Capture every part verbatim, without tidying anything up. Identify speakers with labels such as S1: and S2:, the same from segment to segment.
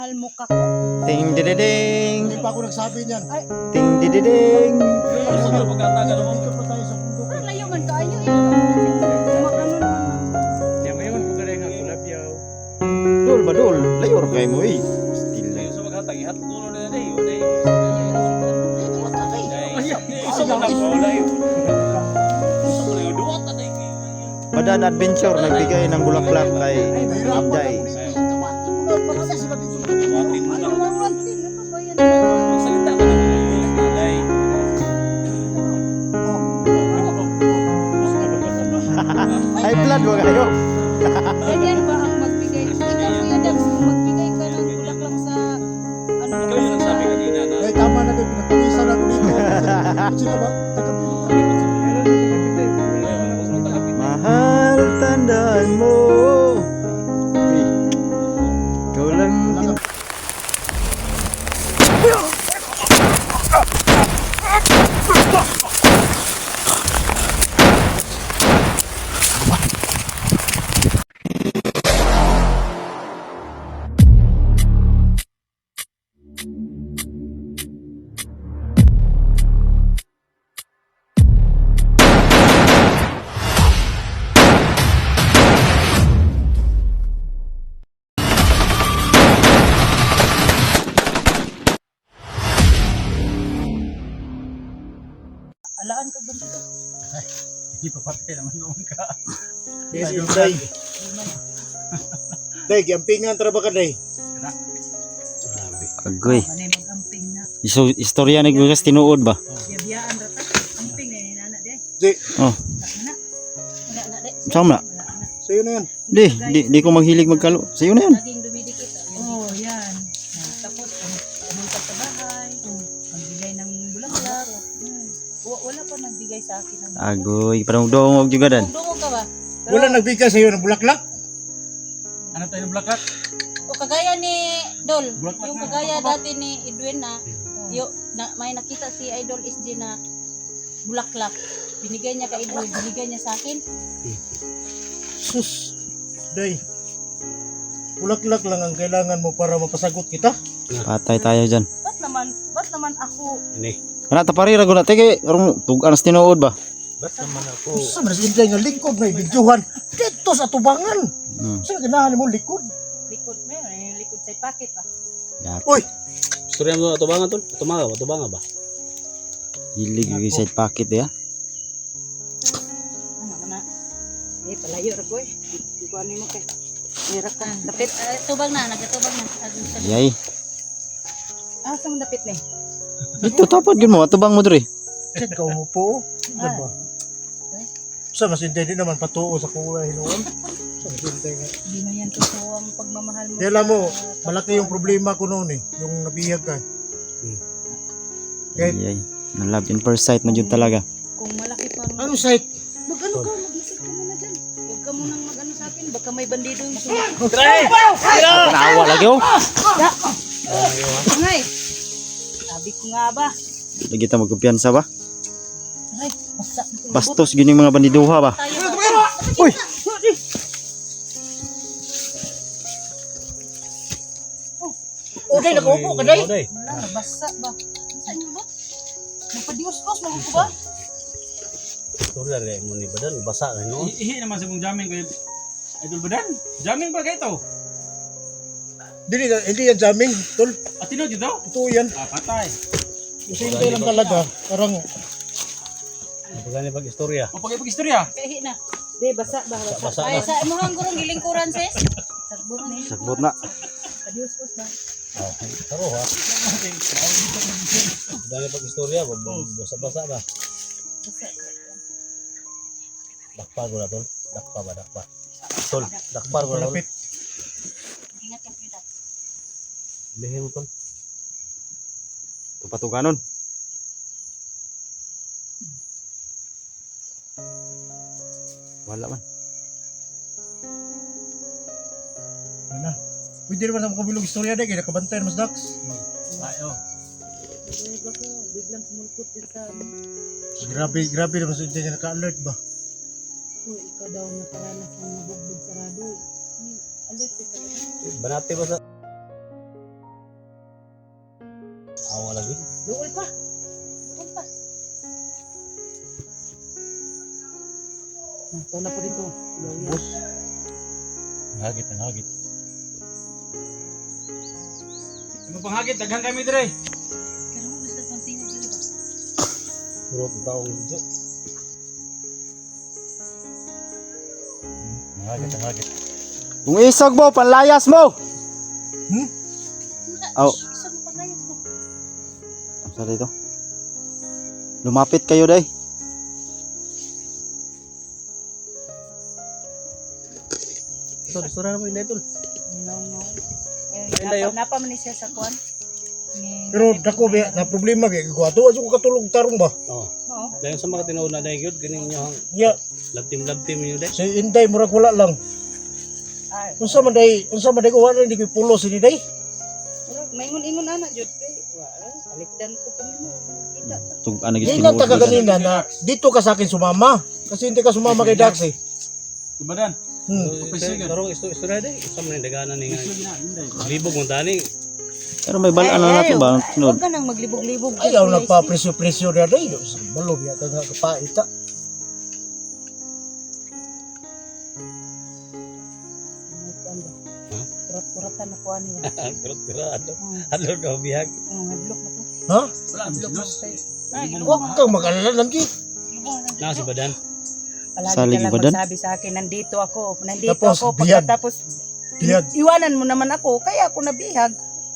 S1: Mahal mo ka ko.
S2: Ting dididing.
S3: Hindi pa ako nagsabi niyan.
S1: Ay,
S2: Ting dididing.
S3: Siguro pagkataga naman. Dito pa tayo sa bundok.
S1: ah, layo man ka. Ayaw, ayaw. Magano naman.
S4: Yang mayon ko kare nga kulabyaw.
S2: Dul ba dul? Layo ra kay mo eh. Still
S4: Layo
S2: lang.
S4: sa maghatag ihat ko na na day. Day. Isa mo na ko layo. Isa mo layo duwa ta day.
S2: Padan Adventure nagbigay ng bulaklak kay Abday.
S3: Kasi sila dito.
S4: Watin mo na.
S1: Ano naman din? Ano ba yan?
S4: Magsalita ka na mga day.
S2: High blood mo kayo.
S1: Ganyan ba ang magbigay? Ikaw, Kuya Dabs, kung magbigay ka ng bulaklak sa ano
S4: Ikaw yung nagsabi kanina na
S3: Ay, tama na din. Pinapawisan ako dito. Sila ba?
S2: Mahal, tandaan mo. Uy, ikaw lang tin-
S1: alaan ka ba dito?
S4: hindi pa patay naman noon ka.
S3: Yes, yung day. Day, kiampingan tara ba ka, day?
S4: Grabe.
S2: Agoy.
S1: Manay mag-amping na.
S2: Iso istorya ni Gugas tinuod ba?
S1: Biyabiyaan rata. Amping na yun, nana, de.
S3: Di,
S2: Oh,
S1: Wala na. Wala na, de.
S2: sama na.
S1: Wala na.
S3: sa'yo na yan.
S2: Di, di, di ko maghilig magkalo. Sa'yo na yan.
S1: Laging dumidikit. Oh, yan. Tapos, pumunta sa bahay. Magbigay ng bulaklak. Hmm. Wa- Wala pa nagbigay sa akin ng bulaklak.
S2: Agoy, parang dongog juga dan.
S1: Dungog ka ba? Pero-
S3: Wala nagbigay sa'yo ng bulaklak?
S4: Ano tayo ng blakat?
S1: O kagaya ni Dol,
S4: Bulaklak
S1: yung
S4: na,
S1: kagaya
S4: bulaklak.
S1: dati ni Edwin na, yo, na may nakita si Idol S J na bulaklak. Binigay niya kay Edwin, binigay niya sa akin.
S3: Sus, day. Bulaklak lang ang kailangan mo para mapasagot kita.
S2: Patay tayo dyan.
S1: Ba't naman, ba't naman ako,
S4: Ini.
S2: Kana taparira ko na teke, karong tugan sa tinuod ba?
S4: Ba't naman ako?
S3: Sa manas inday nga likod na ibidyohan. Dito sa tubangan.
S2: Hmm.
S3: Sa ganahan mo likod.
S1: likod mo yun, yung likod sa pocket ba?
S2: Yak,
S3: Uy,
S4: Storya mo tubangan tol? Tumaga ba? Tubanga ba?
S2: hilig yung side pocket ya.
S1: Ano ka na? Eh, palayo ra ko eh. Hindi ko ano mo kay. Hirap ka. Dapit, ah, tubang na, nagkatubang na. Adun sa-
S2: Yay.
S1: Ah, saan mo dapit na eh?
S2: Dito tapad gid mo, atubang mo diri.
S3: Diyan ka umupo. Diba? Sa mas inday din naman patuo sa kuha hinuon. Sa mas inday nga.
S1: Hindi na yan totoo ang pagmamahal mo.
S3: Kaya alam mo,
S1: sa-
S3: malaki yung problema ko noon eh. Yung nabihag ka. Kahit
S2: Yay. Na love in first sight na jud talaga.
S1: Kung malaki pang...
S3: anong site?
S1: Mag-ano ka, mag-isip ka muna dyan. Huwag ka munang mag-ano sa akin, baka may bandido yung sulat.
S2: Naawa lagi oh.
S1: Ngay! Sabi ko nga ba?
S2: Lagi ta magkumpiyansa ba?
S1: Aray, basta.
S2: Bastos gini mga bandiduha ba?
S1: Tayo ba?
S2: Uy!
S1: O, day, nakaupo ka, day.
S4: Day.
S1: Wala, nabasa ba? Saan nyo ba? Nagpa-dios-os, magupo ba?
S4: Storya rin mo ni Badan. Basa na no?
S5: Ihi naman sa mong jamming kay Idol Badan. Jamming ba kayo ito?
S3: Hindi, hindi yan jamming, tol.
S5: At tinod dito?
S3: Ito yan.
S5: Ah, patay.
S3: Kasi hindi lang talaga. Parang,
S4: Pagani pag istorya.
S5: O pag-istorya.
S1: Kahi na. Di, basa ba? Basa.
S4: Basa
S1: Ay,
S4: na.
S1: sa imuhang gurong gilingkuran, sis. Sagbot na eh.
S2: Sagbot na.
S1: Padios-os ba?
S4: Oh, taro ha. Pagani pag istorya. Basa-basa ba?
S1: Basa.
S4: Dakpa ko na tol. Dakpa ba? Dakpa. Tol. Dakpa ko na tol.
S3: malapit.
S1: Ingat yung pita.
S4: Bihin mo tol.
S2: Tupatuganon. Wala man.
S3: Ano? Pwede naman sa kabilog istorya na, kaya nakabantayan mas Dax.
S5: Ay, oh.
S1: Eh, baka biglang sumulpot din sa...
S3: Grabe, grabe naman sa inday nga naka-alert ba?
S1: Uy, ikaw daw nakaranas ng mabugbog sarado. Hmm, alert ka talaga.
S4: Banati ba sa Awa lagi.
S1: Duol pa. Duol pa. Ah, ito na po dito.
S3: Bus.
S4: Hagit, ang hagit.
S5: Ano pang hagit? Daghan kami dire.
S1: Pero mo basta pang tingog dito ba?
S3: Bro, taong dito.
S4: Ang hagit, ang hagit.
S2: Kung isog mo, panlayas mo!
S3: Hmm?
S2: Aw.
S1: Isa mo pa tayo to.
S2: Ang sa dito. Lumapit kayo, day.
S3: Tol, sura naman yun, tol.
S1: No, no. Eh,
S3: Ayun tayo.
S1: napa, napa man ni siya sa kuan. Ni
S3: Pero dako ba na problema kay ko ato ato ko katulog tarong ba.
S4: Oo.
S1: Oo.
S4: Dahil sa mga tinuuna na yun, ganing nyo ang
S3: Ya,
S4: labtim-labtim nyo dahil.
S3: si Inday murag wala lang.
S1: Ay,
S3: Unsa man day, unsa man day ko wala hindi ko pulo si Inday.
S1: murag maingon-ingon ana jud kay. Wa, alikdan ko pa nimo. Kita.
S2: Tug ano
S3: Di
S2: gis
S3: na taga kanina na dito ka sa akin sumama. Kasi hindi ka sumama kay Dax eh.
S5: Tubadan.
S3: Hmm.
S4: Pero isto isto na dahil. Isa man yung daganan ni nga.
S5: Sige na, Inday.
S4: Libog mo tani.
S2: Pero may balaan na natin ba? Sunod.
S1: Huwag ka nang maglibog-libog.
S3: Ayaw na pa presyo-presyo na day. Malo biya ka nga kapaita.
S4: Ha?
S1: Kurat-kuratan na kuha niya.
S4: Kurot-kurado.
S1: Hmm,
S4: Ano daw bihag?
S1: hmm, hadlok na to.
S3: Ha?
S5: Wala,
S1: Hadlok na
S5: bilos.
S1: tayo. Ay,
S3: Huwag kang mag-alala lang ki.
S4: Na si Badan.
S1: Palagi
S2: Salig
S1: ka lang
S2: ba dan?
S1: magsabi sa akin, nandito ako, nandito
S3: Tapos,
S1: ako,
S3: bihag.
S1: pagkatapos,
S3: Bihag.
S1: iwanan mo naman ako, kaya ako nabihag.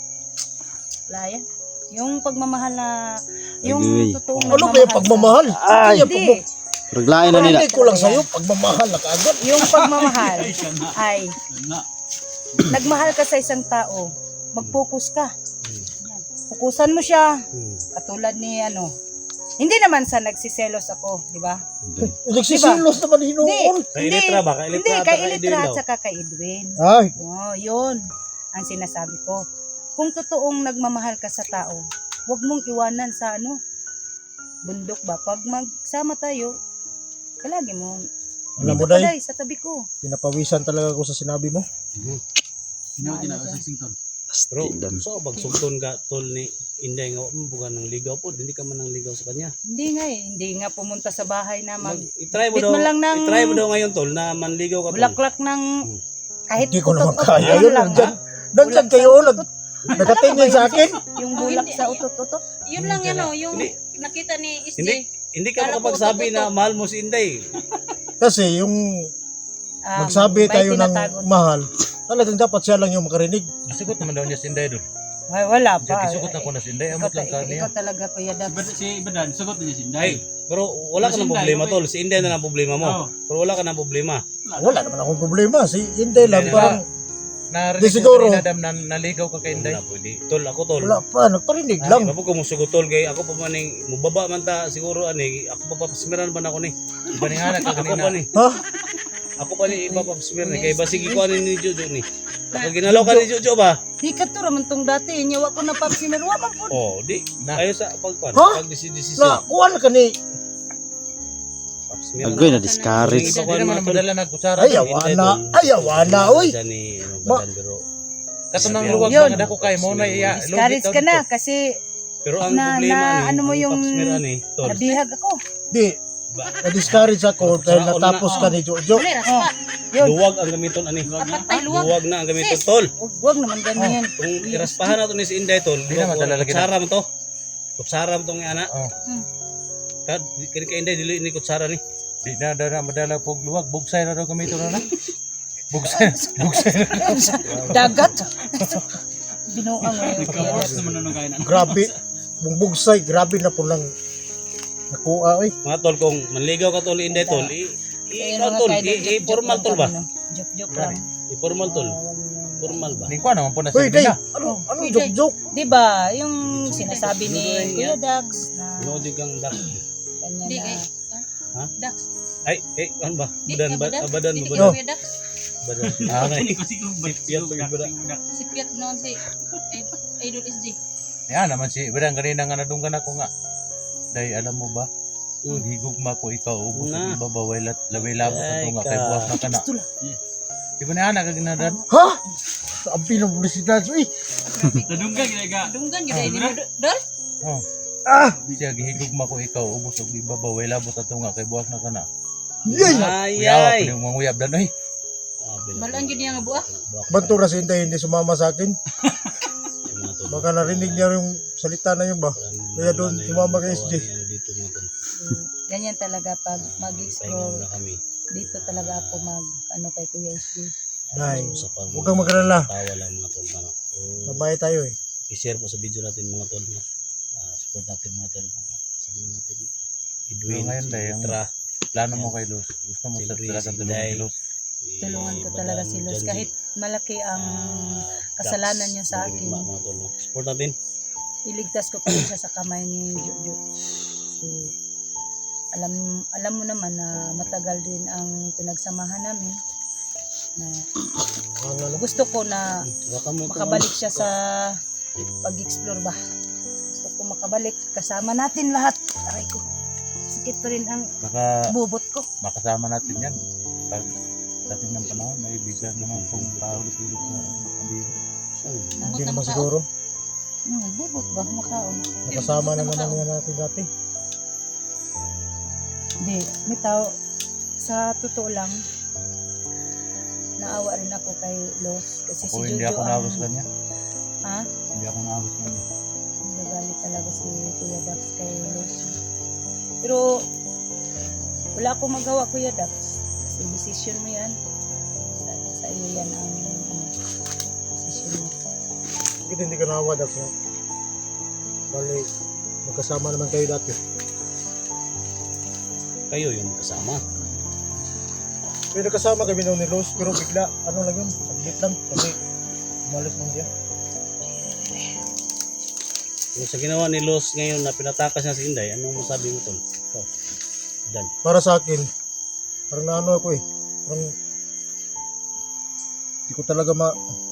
S1: Laya. Yung pagmamahal na, yung
S2: Agree.
S1: totoong
S3: Ano ba yung pagmamahal?
S2: Ay,
S3: Ay,
S1: Hindi,
S2: Raglain na nila.
S3: Hindi ko lang sa'yo, pagmamahal na kaagad.
S1: yung pagmamahal
S5: Ay, siya na.
S1: ay,
S5: Siya na.
S1: nagmahal ka sa isang tao, mag-focus ka. Yan. Fokusan mo siya,
S4: Hmm.
S1: katulad ni ano, hindi naman sa nagsiselos ako, di ba?
S3: Nagsisilos naman
S1: Hindi,
S3: hinoon.
S4: Kay Elitra ba? Kay
S1: hindi,
S4: Elitra at
S1: kay
S4: kay
S1: Elitra
S4: Edwin
S1: at
S4: daw.
S1: saka kay Edwin.
S3: Ay,
S1: Oh, yun ang sinasabi ko. Kung totoong nagmamahal ka sa tao, huwag mong iwanan sa ano, bundok ba? Pag magsama tayo, palagi mo,
S3: alam mo
S1: dito
S3: day,
S1: palay sa tabi ko.
S3: pinapawisan talaga ako sa sinabi mo.
S5: Sinaw din ako sa Sington.
S4: Bro,
S2: Pastilan.
S4: so pag sugton ka tol ni Inday nga um, bukan ng ligaw po, hindi ka man nang ligaw sa kanya.
S1: Hindi nga eh, hindi nga pumunta sa bahay na mag,
S4: Mag, i-try mo
S1: Bit
S4: daw,
S1: mo lang ng-
S4: i-try mo daw ngayon tol na manligaw ka tol.
S1: bulaklak ng, kahit
S3: Hindi ko naman
S1: utot-utot
S3: kaya
S1: man
S3: yun.
S1: lang,
S3: Nandyan,
S1: ha?
S3: nandyan
S1: Bulag
S3: kayo,
S1: sa
S3: nag,
S1: utot-utot.
S3: nakatingin sa akin.
S1: Yung bulak sa utot-utot.
S6: Yun lang yan o, yung
S4: Hindi.
S6: nakita ni S J.
S4: Hindi, hindi ka
S6: Kala ko
S4: makapagsabi
S6: utot-utot.
S4: na mahal mo si Inday.
S3: Kasi yung
S1: Ah,
S3: magsabi
S1: may
S3: tayo ng
S1: tinatago.
S3: mahal, talagang dapat siya lang yung makarinig.
S7: Sikot naman daw niya si Inday doon.
S1: Ay, wala pa.
S7: Sikot na ko na si Inday.
S1: Ikaw,
S7: Amot lang
S1: ta-
S7: ka niya.
S1: ikaw talaga, Kuya
S5: Si
S1: Dax.
S5: Bad- Si Badan, sagot na niya si Inday.
S4: Ay, pero wala ka
S5: Si
S4: ng
S5: Inday,
S4: problema
S5: okay.
S4: tol. Si Inday na lang problema mo.
S5: Oo.
S4: Pero wala ka ng problema.
S3: Wala naman akong problema. Si Inday lang,
S4: Hindi
S3: parang
S7: Narinig
S3: Di
S7: ko
S3: siguro.
S7: kanina, Dam, na naligaw ka kay Inday.
S4: Wala pwede. Tol, ako tol.
S3: wala pa, nagparinig lang.
S4: Ako ko musugo tol kay ako pa man ning mubaba man ta siguro ani ako pa papasmiran man ako ni.
S7: Iba ni Hana ka
S4: Ako
S7: kanina.
S4: pa ni.
S3: Ha?
S4: Ako pa ni ipapasmir ni kay basig ko ani ni Jojo ni. Ako ginalaw ka ni Jojo ba?
S1: Di ka to raman tong dati. Nyawa ko na papsimer. Wa man po.
S4: Oh, di.
S7: Na.
S4: Ayo sa pagpan,
S3: Ha?
S4: pag desisyon.
S3: Na, kuha ka ni,
S4: Papasmir.
S2: Agoy na discourage.
S4: Sige,
S7: Hindi naman madala na kutsara.
S3: ayaw na, ayaw na, oy.
S4: Ni ano
S3: Ma-
S4: badan pero
S7: Katunang
S4: Yun.
S7: luwag
S1: Yun.
S7: na dako kay mo na iya.
S1: Discourage ka na kasi
S4: pero ang
S1: Na-
S4: problema
S1: na-
S4: ni
S1: ano mo
S4: ang
S1: yung-
S4: papasmir ani tol.
S1: nabihag ako.
S3: Di,
S4: Ba-
S3: na-discourage ako dahil
S4: Sa-
S3: natapos
S4: una-
S3: ka ni Jojo.
S6: Mali, raspa.
S1: Yun.
S4: Luwag ang gamiton ani.
S6: Dapat tayo luwag.
S4: Luwag na ang gamiton tol.
S1: Huwag, huwag naman ganyan.
S4: Kung iraspahan nato ni si Inday tol,
S7: Di na madala lagi na.
S4: kutsara mo to. Kutsara mo tong ana.
S7: Oh.
S4: Kad kini kay Inday dili ni kutsara ni.
S7: Di na dara madala pog luwag. Bugsay na daw gamito na na. Bugsay. Bugsay na.
S1: Dagat. Binuang ngayon. Kuya
S5: Ikaw,
S1: Dax.
S5: naman nung kaya na.
S3: Grabe, bungbugsay, grabe na po lang nakuha, oy.
S4: Mga tol kung manligaw ka tol Inday tol, i i
S1: Ayun,
S4: ikaw,
S1: mga
S4: tol,
S1: kaidol,
S4: i, i
S1: joke-joke
S4: formal
S1: lang
S4: tol ba?
S1: kami, no? Joke-joke lang.
S4: I formal tol.
S1: Ah, wag niyo-
S4: Formal ba?
S7: Ni ko naman po na
S3: Uy,
S7: si
S3: Day,
S7: na.
S3: ano, ano,
S1: Uy,
S3: joke-joke?
S1: Di ba, yung sinasabi ni Kuya Dax na
S4: Nodi kang dak.
S1: kanya
S6: Di
S1: na
S6: kay
S4: Ha?
S6: Dax.
S4: Ay, eh, ano ba?
S6: Di
S4: Badan
S6: ka
S4: ba?
S6: badan.
S4: ah, Badan
S6: Di
S4: mo
S6: ka
S4: badan.
S6: Kuya Dax.
S4: Badan.
S7: Ah,
S5: Hindi ko siguro ba?
S4: Sipiyat
S5: Siguro
S4: yung budak.
S5: budak.
S6: Si Piat noon si Id- Idol S J.
S7: Yan naman si Badang kanina nga nadunggan ako nga. Day, alam mo ba?
S4: Mm.
S7: Higugma ko ikaw ubos
S4: Na.
S7: ang iba baway lat laway labot
S4: Ay,
S7: ato nga
S4: ka.
S7: kay buwak na kana. Di ba na anak ka ginadan?
S3: Ha? Ang pinabilisidad. Uy!
S5: Nadunggan ginaga.
S6: Dunggan gyud ay dino dol.
S7: Oh.
S3: Ah!
S7: Siya gihigugma ko ikaw ubos og ibabaw way labot ato nga kay buwak na kana.
S3: Yay!
S4: Ay,
S7: Kuyawa
S4: ay.
S7: pud yung manguyab dan oy.
S6: Balaan gyud niya nga buak.
S3: Banto na si Inday hindi sumama sa akin. Baka narinig niya yung salita na yun ba? Kaya doon, sumama kay S J.
S4: Dito mga tol.
S1: Mm, ganyan talaga pag
S4: Pahinga
S1: mag-explore.
S4: muna kami.
S1: Dito talaga ako mag, ano kay Kuya S J.
S3: Nay,
S4: Sa pag-
S3: huwag kang mag-alala.
S4: Tawa lang mga tol. Mga. So,
S3: Babae tayo eh.
S4: i-share po sa video natin mga tol. No? Ah, support natin mga tol. Sabihin natin. Edwin,
S7: So, ngayon,
S4: si
S7: Day, ang-
S4: Petra,
S7: Plano mo kay Luz. Gusto mo sa
S4: Siyempre,
S7: talagang
S4: si
S7: tulungan
S4: Day.
S7: si Luz.
S4: si
S1: Tulungan ko talaga si Luz.
S4: Janji,
S1: Kahit malaki ang
S4: ah,
S1: kasalanan
S4: Dax,
S1: niya sa akin.
S4: mga mga tol. No? Support natin.
S1: iligtas ko pa rin siya sa kamay ni Jojo. Kasi alam alam mo naman na matagal din ang pinagsamahan namin. Na
S3: Ang ano,
S1: gusto ko na
S4: Baka mo
S1: makabalik siya sa pag-explore ba. Gusto ko makabalik kasama natin lahat. Aray ko. Sakit pa rin ang
S7: Baka
S1: bubot ko.
S7: makasama natin yan. Pag dating ng panahon, ay bigla naman pong paulit-ulit na pandemya.
S3: hindi naman siguro.
S1: No, bubot ba makaon?
S3: Nakasama na naman yan natin dati.
S1: Hindi, may tao sa totoo lang naawa rin ako kay Los kasi si
S7: Ako hindi
S1: Jojo
S7: ako naabos
S1: ang
S7: kanya.
S1: ha?
S7: Hindi ako naabos kanya.
S1: Nagalit talaga si Kuya Dax kay Los. Pero wala akong magawa Kuya Dax kasi decision mo yan. Sa, sa iyo yan ang ano, decision mo.
S3: Bakit hindi ka nawa Dax nga? Bali, magkasama naman kayo dati.
S4: Kayo yung kasama.
S3: Pero nagkasama kami noon ni Rose, pero bigla, ano lang yun, saglit lang. Kasi umalis lang siya.
S4: Yung sa ginawa ni Los ngayon na pinatakas niya si Inday, anong masabi mo tol? Ikaw. Dan.
S3: Para sa akin, parang naano ako eh. Parang, hindi ko talaga ma...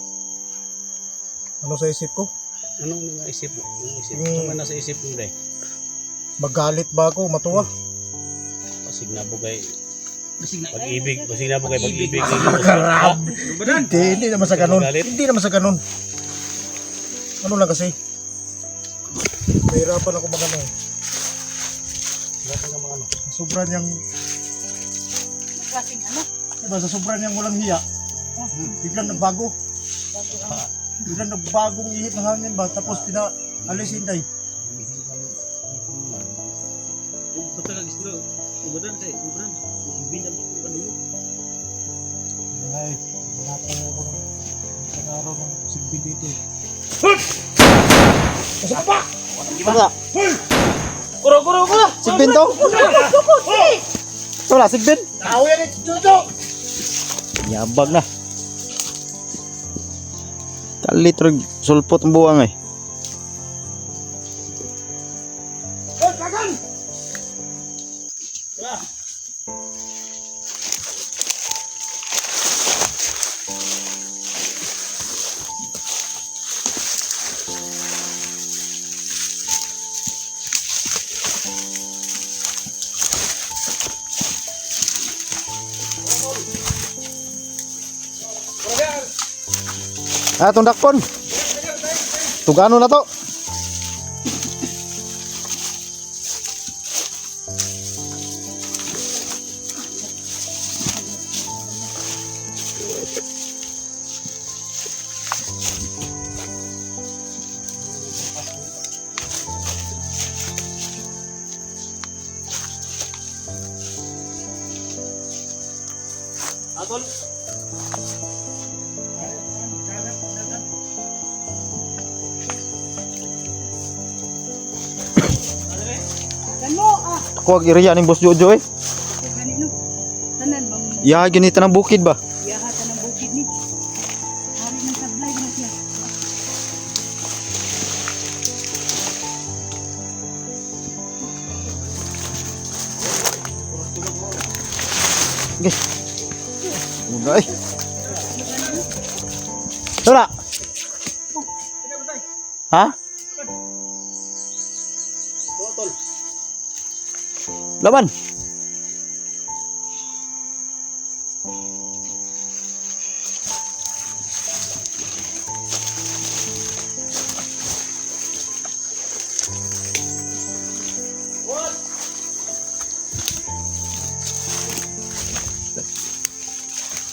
S3: Ano sa isip ko?
S4: Anong naisip mo? Anong isip?
S3: Hmm.
S4: Ano man nasa isip mo Inday?
S3: Magalit ba ako? Matuwa?
S4: Pasig na po kay
S5: Basig na.
S4: pag-ibig. Pasig na po kay pag-ibig.
S3: Grabe!
S5: Badan.
S3: Hindi, hindi naman sa ganun.
S4: Magalit?
S3: Hindi naman sa ganun. Ano lang kasi? Nahirapan ako magano eh. Nahirapan ako magano. Sobra niyang,
S1: Klaseng ano?
S3: diba, sa sobra niyang walang hiya. Biglang nagbago.
S1: Bago ang
S3: Biglang nagbagong ihip ng hangin ba? Tapos pinaalis Inday.
S5: Bata ka gusto. Badan kay. Badan. Binam ko ano mo.
S3: Ay, wala pa ako ng isang araw ng sigbi dito eh.
S2: Wala.
S5: Kuro kuro kuro.
S2: Sigbin to? Wala, sigbin.
S3: Tao yan eh, Jojo!
S2: Yabag na. Kalitrog sulpot ang buwang eh.
S3: Hoy, kagan!
S2: Ah, tundakpon. Tugano na to.
S5: Atol.
S1: mo ah.
S2: Ako ag iriya ning Boss Jojo eh.
S1: Ganino. Tanan bang
S2: Ya ginita ng bukid ba?
S1: yahatan ng bukid ni. Hari ng sablay na siya.
S2: Guys. Uday. Tara. Ha?
S4: Totol.
S2: Laban.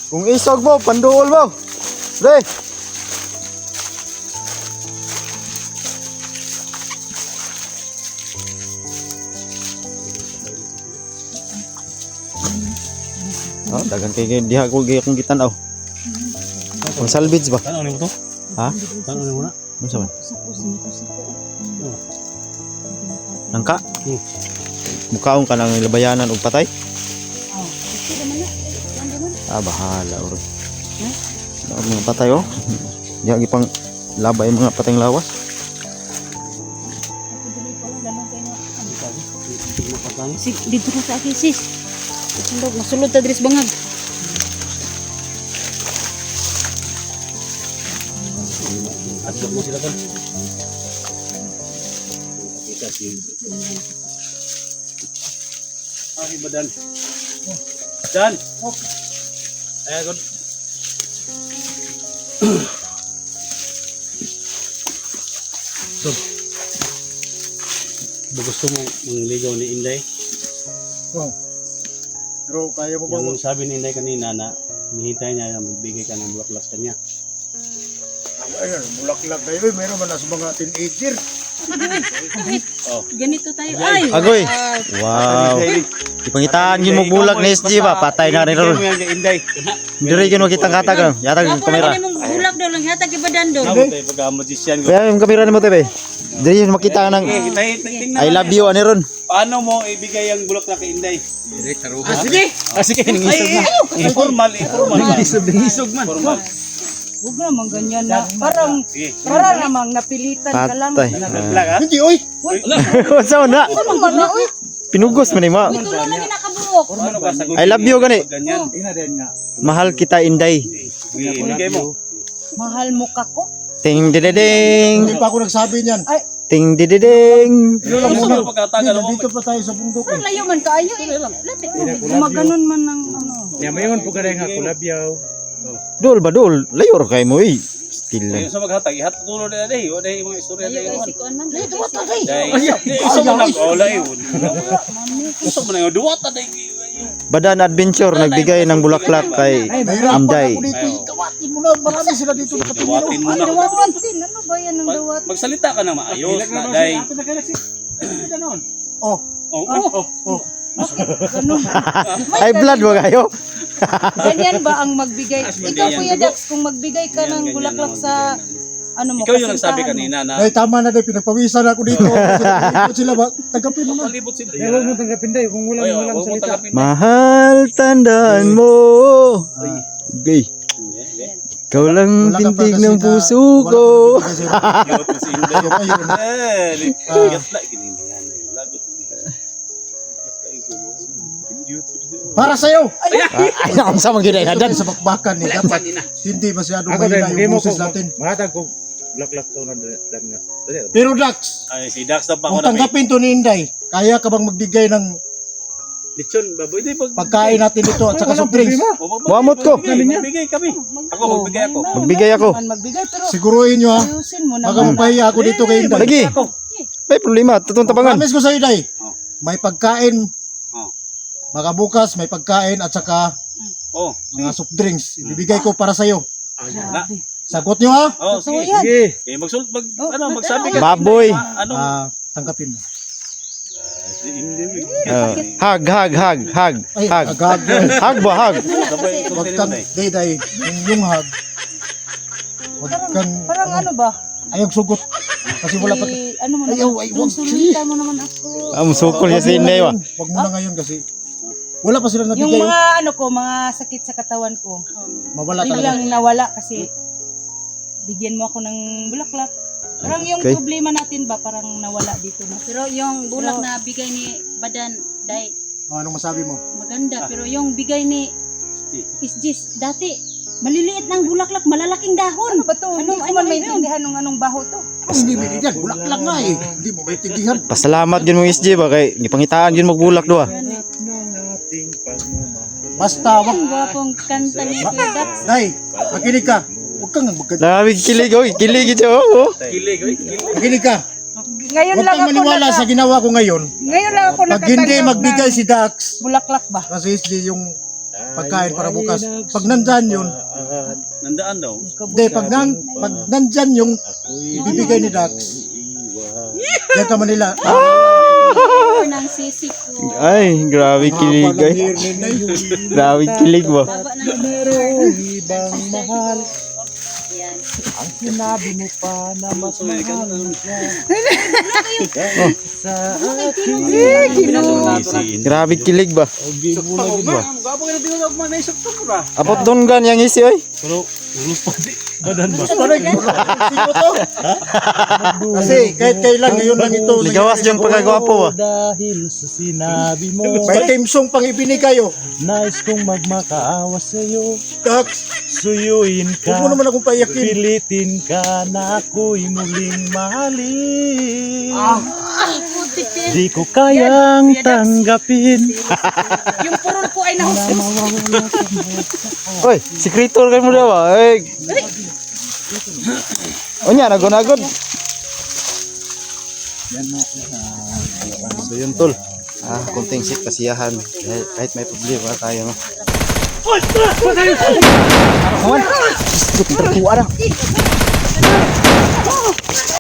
S2: Kung isog mo, panduol mo. Re. Oh, dagan kay diha ko gyud akong gitan-aw. Ang salvage ba?
S7: Ano ni mo to?
S2: Ha?
S7: Ano ni mo na?
S2: Unsa man? Nangka? Mukaon ka ng labayanan og patay? Ah, bahala oro. Ang mga patay oh. Diha gipang labay mga patayng lawas.
S6: Sig, dito na sa akin, sis. Sundog, nasulod ta dris bangag.
S4: Adlok mo sila kan. Kita si. Ay, badan. Dan. Eh, good. So, ba gusto mo mangligaw ni Inday?
S3: Oh. Pero kaya mo bang
S4: Yung sabi ni Inday kanina na nihintay niya na magbigay ka ng bulaklak sa kanya.
S3: ayun, bulaklak kayo, eh, meron man na sa mga teenager.
S4: Oh.
S6: Ganito tayo. Ay!
S2: Agoy. Wow. Ipangitaan yun mo bulak ni S G ba? Patay na rin
S4: Bigay
S2: ron.
S4: mo yan kay Inday.
S2: Diri yun mo kitang katag. Yatag yung
S6: Ako
S2: kamera.
S6: na mong bulak daw lang yata kibadan daw.
S4: Namo tayo pagka-magician ko.
S2: Kaya yung kamera ni mo tebe. Diri yun makita ka ng
S4: Eh, hintay- tingnan
S2: I love you ani ron.
S4: Paano mo ibigay ang bulaklak kay Inday?
S7: Ah, sige. Ah, sige, nangisog na.
S4: Informal, informal.
S7: Nangisog, nangisog man.
S4: Informal.
S1: Huwag naman ganyan na. Parang,
S4: Sige.
S1: parang namang napilitan ka lang.
S2: Patay.
S4: Bulaklak ha?
S3: Hindi, oy!
S2: Sa na.
S1: Ano man na, uy?
S2: Pinugos man ni ma.
S6: Ito lang na ginakabuok.
S4: Paano ka sagutin?
S2: I love you, gani.
S4: Pag Ganyan.
S7: Tingnan din nga.
S2: Mahal kita Inday.
S4: Ibigay mo.
S1: Mahal mo ka ko?
S2: Ting
S3: Hindi
S2: dididing.
S3: pa ako nagsabi niyan.
S2: Ting dididing.
S3: Pero lang
S4: Gusto
S3: muna,
S4: mo pagkatagal mo.
S3: nandito pa tayo sa bundok eh.
S1: Parang layo man kaayo eh. Lapit. Gumaganon man ng ano.
S7: Yan, mayon po ka rin nga kulabyaw.
S2: Dol ba dol? Layo ra kay mo eh. Still lang.
S4: Ayun sa maghatag, ihatag tulo na dahil. O dahil mga istorya
S6: Ayo
S4: dahil.
S6: kay si Kuan man.
S4: Dahil isa mo lang. O layo. Gusto mo na yung duwata dahil.
S2: Badan Adventure nagbigay ng bulaklak kay
S3: Nahirapan
S2: Amday.
S3: ako dito. Itawatin mo na. Marami sila dito nakatumino.
S4: Duwatin mo
S1: Ay,
S4: na.
S1: dawatan din. Ano ba yan ng dawat?
S4: Mag- Magsalita ka na maayos na dahil.
S3: Oh,
S4: Oh, oh, oh.
S1: Ganun.
S2: Ay blood mo kayo.
S1: Ganyan ba ang magbigay?
S4: As
S1: Ikaw,
S4: ganyan.
S1: Kuya Dax, kung magbigay ka
S4: Ganyan,
S1: ng
S4: ganyan
S1: bulaklak
S4: naman,
S1: sa
S4: ganyan.
S1: ano mo,
S4: Ikaw yung nagsabi
S1: kasintahan mo.
S4: kanina na
S3: dahil tama na dahil pinagpawisan ako dito. Kasi sila ba? Tagapin mo na.
S4: palibot sila.
S7: Eh, huwag mo tanggapin tayo kung walang
S4: Ay,
S7: walang
S4: huwag mo
S7: salita.
S4: tanggapin.
S2: Mahal tandaan mo. Gay. Ikaw lang
S3: Wala ka pa
S2: tindig
S3: kasi
S2: ng
S3: na-
S2: puso
S3: wala
S2: ko.
S3: ka kasi na-
S4: Cute na si Inday.
S3: Ayun, ayun.
S4: Eh, ligat na. Ginindihan na yun. Lagot.
S3: Para sa'yo!
S2: Ay, ang sama gyud ay
S3: Ito
S2: hadan.
S3: sa bakbakan eh. Dapat hindi masyadong
S7: Ako din,
S3: mahina
S7: bigay
S3: yung
S7: mo
S3: boses
S7: ko.
S3: natin.
S7: Mahatag ko. Bulaklak to na dan nga. Dali.
S3: Pero Dax,
S4: Ay, si Dax na pa
S3: kung
S4: ako na may
S3: tanggapin to ni Inday, kaya ka bang magbigay ng
S4: lechon. Baboy, di pag...
S3: pagkain natin dito at saka
S7: Walang
S3: soft drinks?
S7: problema.
S4: O, magbigay,
S2: Buhamot ko.
S4: Magbigay, magbigay kami. Ako, magbigay ako.
S2: Magbigay ako.
S1: Man magbigay, pero
S3: Siguruhin nyo ha.
S1: ayusin mo
S3: Baka
S1: naman.
S3: mapahiya ako dito kay Inday.
S2: Lagi. May problema, tutong tabangan.
S3: Promise ko sa'yo, Day.
S4: Oh.
S3: May pagkain.
S4: Oh.
S3: Baka bukas may pagkain at saka
S4: Oh,
S3: mga soft drinks. Ibibigay ko para sa'yo.
S4: na.
S3: Sagot nyo ha.
S4: Oh, sige.
S1: yan.
S7: Sige.
S4: Eh, magsul mag
S1: Oh,
S4: ano,
S1: mag-
S4: magsabi ka.
S2: Baboy.
S4: Ano?
S3: Ah, tanggapin mo.
S4: Si Inday.
S2: Uh, hug, hug, hug, hug,
S3: Ay,
S2: hug.
S3: agad.
S2: Hug ba, hug?
S4: Sabay,
S3: Huwag
S4: sultin mo
S3: kang,
S4: na eh.
S3: Day, Day, yung, yung hug. Huwag kang,
S1: Parang ano ba?
S3: ayaw sugot. Kasi wala pa.
S1: Si, ano mo
S3: Ayaw,
S1: naman?
S3: ay,
S1: Yung
S3: wag.
S1: sulitan mo naman ako.
S2: Am sukol niya si Inday wa.
S3: Huwag mo na ngayon kasi wala pa sila
S1: Yung
S3: nabigay.
S1: mga ano ko, mga sakit sa katawan ko.
S3: Mawala talaga.
S1: Biglang nawala kasi bigyan mo ako ng bulaklak. Parang yung
S2: Okay.
S1: problema natin ba, parang nawala dito na.
S6: Pero yung
S1: Pero-
S6: bulak na bigay ni Badan, dai
S3: Oh, anong masabi mo?
S6: maganda.
S4: Ah.
S6: Pero yung bigay ni
S4: Si.
S6: Isjis, dati maliliit ng bulaklak, malalaking dahon.
S1: Ano ba to? Hindi
S6: Ano-
S1: ko
S6: ano
S1: man
S6: yun?
S1: maintindihan nung anong baho to.
S3: Oh, hindi mo yan. Bulaklak nga eh. Hindi mo maintindihan.
S2: Pasalamat gyud mo S G ba kay gipangitaan gyud mo bulak do ah.
S7: Ng ating pagmamahal.
S3: Basta, wag.
S6: Ang gwapong kanta ni Kuya Dax.
S3: Day, makinig ka. Huwag kang magkad.
S2: Lamig kilig oy, kilig ito oh.
S4: Kilig, oy, kilig.
S3: Makinig ka.
S1: Ngayon
S3: Huwag
S1: lang
S3: kang
S1: ako
S3: maniwala
S1: naka,
S3: sa ginawa ko ngayon.
S1: ngayon lang ako
S3: Pag hindi
S1: nakatanggap
S3: magbigay
S1: ng
S3: si Dax,
S1: bulaklak ba?
S3: kasi si yung pagkain para bukas. Pag nandyan yun,
S4: Nandaan daw.
S3: hindi, pag, nan, pag nandyan yung ibibigay ni Dax, yan ka Manila.
S6: Or ng sisi ko.
S2: Ay, grabe kilig ay. Grabe kilig ba?
S6: Baba ng
S7: Merong ibang mahal.
S6: Yan.
S7: Ang sinabi mo pa na mas mahal sa akin.
S2: Grabe kilig ba?
S7: Ogi mo lagi ba?
S4: Gwapo ka na tinatawag mo na isok to bro.
S2: Apot doon gan yang isi oy.
S7: Pero ulus pa di. Badan ba?
S3: Kasi kahit kailan ngayon lang ito.
S2: Ligawas yung pagkagwapo ba?
S7: Dahil sa sinabi mo,
S3: May timsong pang ibinigay oh.
S7: nais kong magmakaawa sa'yo.
S3: Dax,
S7: Suyuin
S3: huwag mo
S7: ka,
S3: naman akong paiyakin.
S7: pilitin ka na ako'y muling mahalin. Di ko kayang tanggapin.
S6: Yung purol ko ay nahusos.
S2: Oy, sekretor kan mo daw ba? Ay. Onya nagon-agon. So yun tol. Ah, konting sik kasiyahan. Kahit, kahit may problema tayo no. Oy! Kawan! Terkuat dah.